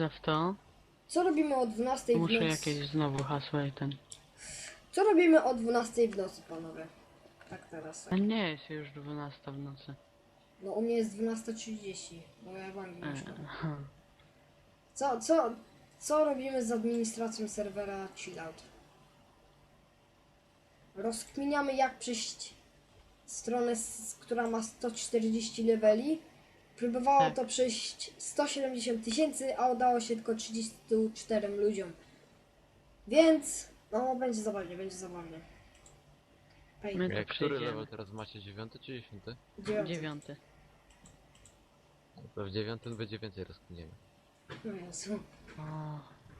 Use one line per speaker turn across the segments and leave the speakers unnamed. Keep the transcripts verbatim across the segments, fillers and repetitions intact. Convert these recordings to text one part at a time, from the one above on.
wchodzę w to.
Co robimy o dwunastej w
Muszę
nocy?
jakieś znowu hasło i ten.
Co robimy o dwunastej w nocy, panowie? Tak teraz.
A nie jest już dwunasta w nocy.
No u mnie jest dwunasta trzydzieści, bo ja w Anglii
E,
mieszkam.
ha.
Co, co, co robimy z administracją serwera Chillout? Rozkminiamy, jak przejść stronę, s- która ma sto czterdzieści leveli. Próbowało
Tak.
to przejść sto siedemdziesiąt tysięcy, a udało się tylko trzydziestu czterem ludziom. Więc, no, będzie zabawnie, będzie zabawnie. Hej,
My to
Jak który
przejdziemy.
level teraz macie? Dziewiąty czy dziesiąty?
dziewiąty.
Dziewiąty.
To w dziewiątym będzie więcej rozkminienia.
No Jezu.
O,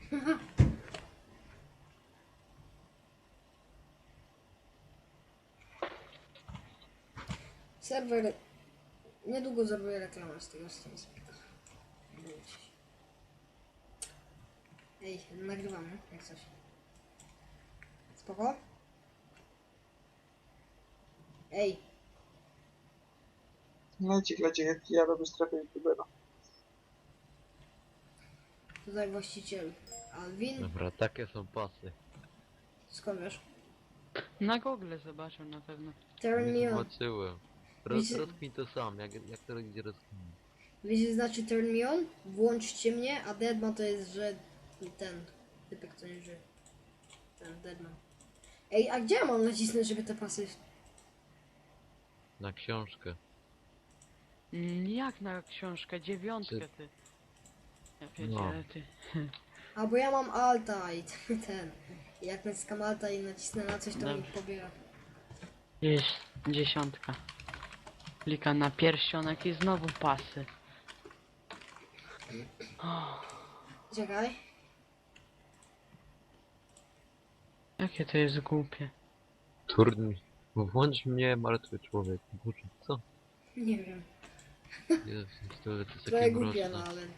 Serwer, niedługo zrobię reklamę z tego stronę. Ej, nagrywamy, jak coś. Spoko? Ej,
Leci, leci, jak ja robię strefę youtubera.
tutaj właściciel Alvin.
Dobra, takie są pasy.
Skąd wiesz?
na Google zobaczył na pewno.
Turn
Nie
me on.
zobaczyłem. Roz,
Wiecie-
rozkmin to sam, jak, jak to idzie rozkmin.
Wiecie, znaczy turn me on? Włączcie mnie, a Deadman to jest, że ten typek, co nie żyje. Ten Deadman. Ej, a gdzie ja mam nacisnąć, żeby te pasy...
Na książkę.
Mm, Jak na książkę? Dziewiątkę ty. Ja pierdzielę ty.
A, bo ja mam alta i ten... Jak naciskam alta i nacisnę na coś, to mi
Dobrze.
pobiera.
Jest dziesiątka. Klika na pierścionek i znowu pasy.
Czekaj.
Jakie to jest głupie.
Turn. Włącz mnie, martwy człowiek. Boże, co?
Nie wiem.
Jezus, to, to jest
Trochę
takie
głupie,
mroczne.
no ale...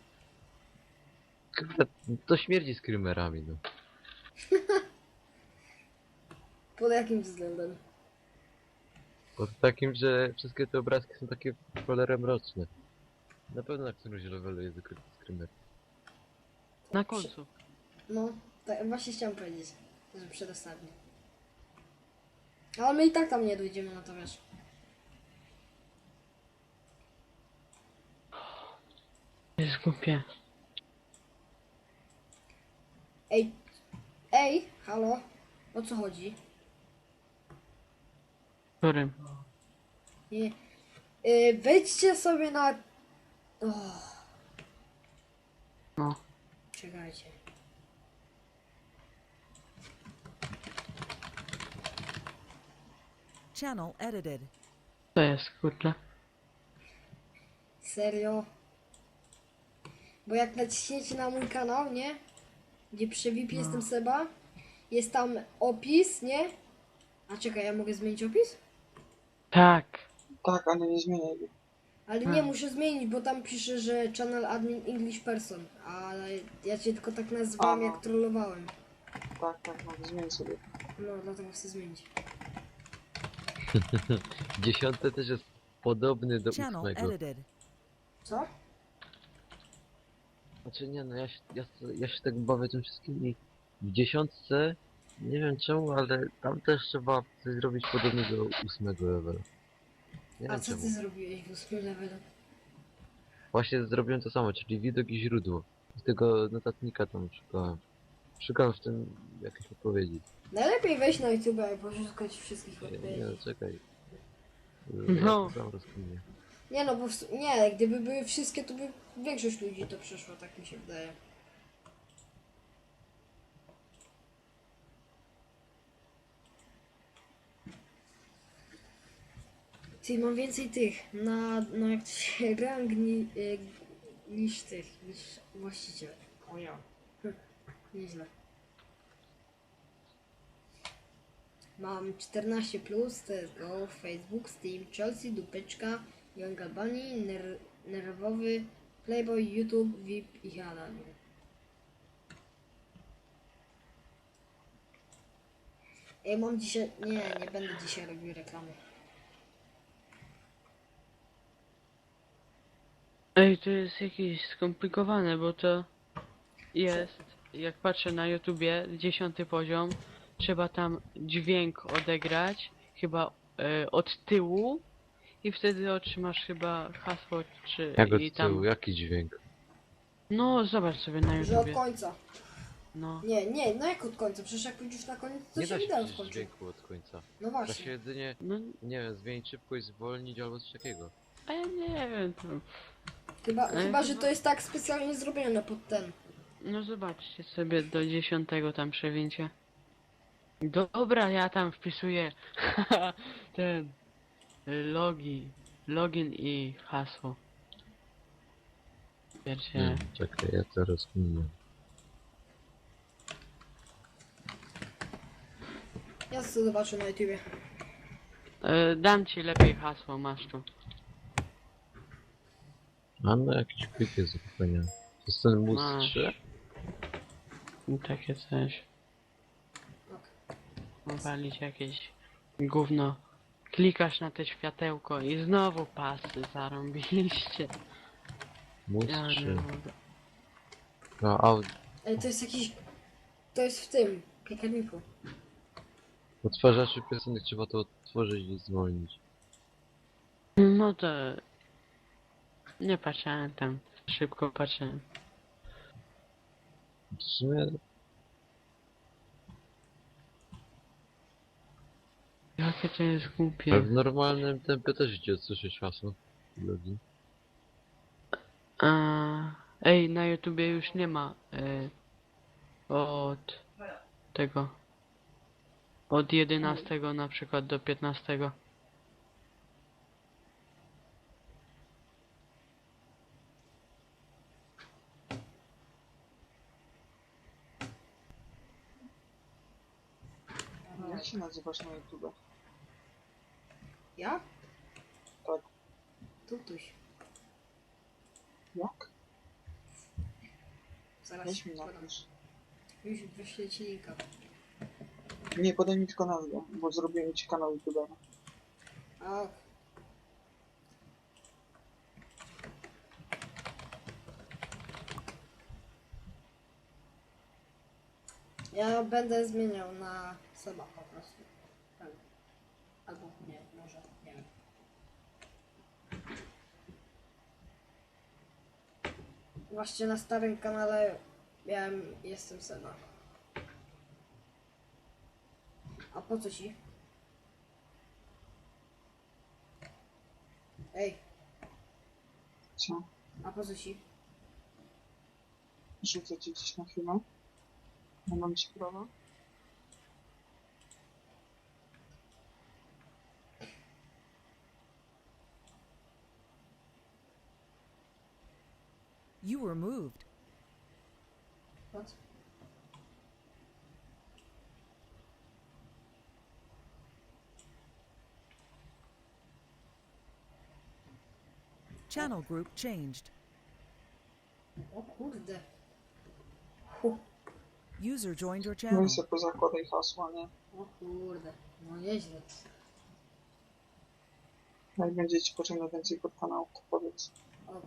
Kurde, to śmierdzi screamerami, no.
Pod jakim względem?
Pod takim, że wszystkie te obrazki są takie w cholerę mroczne. Na pewno na którymś levelu jest ukryty screamer.
Na końcu.
No, tak, właśnie chciałem powiedzieć, że przedostatni. Ale my i tak tam nie dojdziemy, no to wiesz.
Jest głupie.
Ej, ej, halo, o co chodzi?
Którym?
Nie, yy, wejdźcie sobie na... O,
No.
czekajcie.
Channel edited.
To jest kurczę.
Serio? Bo jak naciśniecie na mój kanał, nie? Gdzie przy V I P jestem Seba, jest tam opis, nie? A czekaj, ja mogę zmienić opis?
Tak.
Tak, ale nie zmieniaj go.
Ale nie,
Hmm.
muszę zmienić, bo tam pisze, że channel admin English person, ale ja cię tylko tak nazwałem,
A, no.
jak trollowałem.
Tak, tak, no zmień sobie.
No, dlatego chcę zmienić.
Dziesiąty też jest podobny do
Channel
ósmego.
edited.
Co?
Znaczy nie no, ja się, ja, ja się tak bawię tym wszystkim i w dziesiątce, nie wiem czemu, ale tam też trzeba coś zrobić podobnie do ósmego levelu. Nie
A
wiem
co
czemu.
ty zrobiłeś w ósmym levelu?
Właśnie zrobiłem to samo, czyli widok i źródło. Z tego notatnika tam szukałem. Szukałem w tym jakiejś odpowiedzi.
Najlepiej wejść na YouTube i poszukać wszystkich
Nie,
odpowiedzi.
nie no, czekaj.
No.
Ja to sam rozkminię.
Nie no, bo w, su- nie, gdyby były wszystkie, to by większość ludzi to przeszło, tak mi się wydaje. Ty, mam więcej tych, na, no jak to się rang ni, y, niż tych, niż właściciel. O ja. Hm, nieźle. Mam czternaście plus, to jest Go, Facebook, Steam, Chelsea, Dupeczka, Young Albani, ner Nerwowy, Playboy, YouTube, V I P i Hada. Ej, mam dzisiaj... Nie, nie będę dzisiaj robił reklamy.
Ej, to jest jakieś skomplikowane, bo to jest, jak patrzę na YouTubie, dziesiąty poziom, trzeba tam dźwięk odegrać, chyba e, od tyłu i wtedy otrzymasz chyba hasło, czy
Jak od
i tam...
tyłu, jaki dźwięk?
No, zobacz sobie na
Że od
YouTubie.
końca.
No.
Nie, nie, no jak od końca? Przecież jak pójdziesz na koniec, to
Nie
się
da się
wideo
przecież
skończy.
dźwięku od końca.
No
Da się
właśnie.
jedynie,
No,
nie wiem, zmienić szybkość, zwolnić albo coś takiego.
a ja nie wiem, to...
Chyba,
Ale
chyba że
chyba-
to jest tak specjalnie zrobione pod ten.
No zobaczcie sobie do dziesiątego tam przewincie. Dobra, ja tam wpisuję ten y, logi, login i hasło. Wiecie,
Hmm, czekaj, ja to rozkminię.
Ja sobie zobaczę na YouTubie.
y, dam ci lepiej hasło, masz tu.
A no jakiś plik jest do kupienia. To jest ten mus
Masz.
trzy?
I takie coś.
Ok.
Walić jakieś gówno. Klikasz na te światełko i znowu pasy zarąbiliście.
Mus
Ja nie
trzy.
mogę.
No, aud...
Ej, to jest jakiś... To jest w tym, piekarniku.
Odtwarzaczy piosenek trzeba to odtworzyć i zwolnić.
No to... Nie patrzałem tam. Szybko patrzyłem.
W sumie
Jakie to jest
ale
głupie.
w normalnym tempie też idzie odsłyszeć hasło. Logi.
A, ej, na YouTubie już nie ma y, od tego. Od jedenastego na przykład do piętnastego.
Jak się nazywasz na YouTube?
Ja?
Tak.
Tutuś.
Jak?
Zaraz
Weź
ci
mi
podam.
napisz.
Już wyślę ci linka.
Nie, podaj mi tylko nazwę, bo zrobiłem ci kanał YouTube'a.
A, ja będę zmieniał na Seba po prostu. Tak. Albo nie, może, nie wiem. Właśnie na starym kanale miałem, jestem Seba. A po co ci? Ej,
Co?
a po co ci?
Rzucę ci gdzieś na chwilę. Nie mam ci prawa.
You were moved.
What?
Channel group changed.
O kurde. Hu,
User joined your
No
channel.
i sobie pozakładaj hasła, nie?
o kurde. No nieźle.
Jak będzie ci potrzebne więcej pod kanału, to powiedz.
Ok.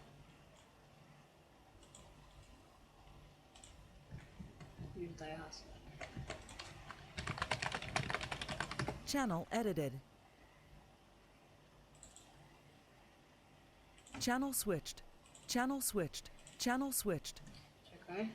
Już daję hasło.
Channel edited. Channel switched. Channel switched. Channel switched.
Czekaj.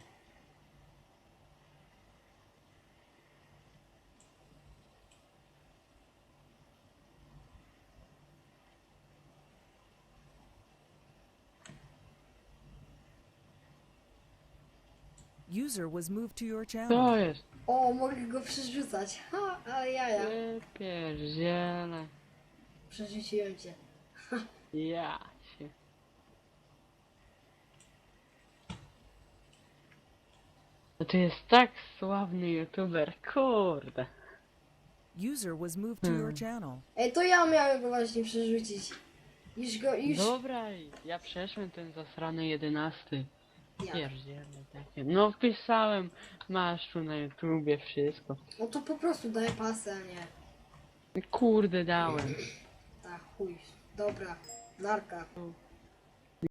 User was moved to your
To
channel.
jest.
O, mogę go przerzucać. Ha, ale jaja.
Ja pierdziele.
Przerzuciłem cię.
Ja się. No to jest tak sławny youtuber, kurde.
User was moved to your
Hmm.
channel.
Ej, to ja miałem go właśnie przerzucić. Już go, już...
Dobra, ja przeszłem ten zasrany jedenasty.
Ja.
Pierdziele takie. No wpisałem, masz tu na YouTubie wszystko.
No to po prostu daj pasę, a nie.
Kurde dałem.
Tak, chuj. Dobra. Narka.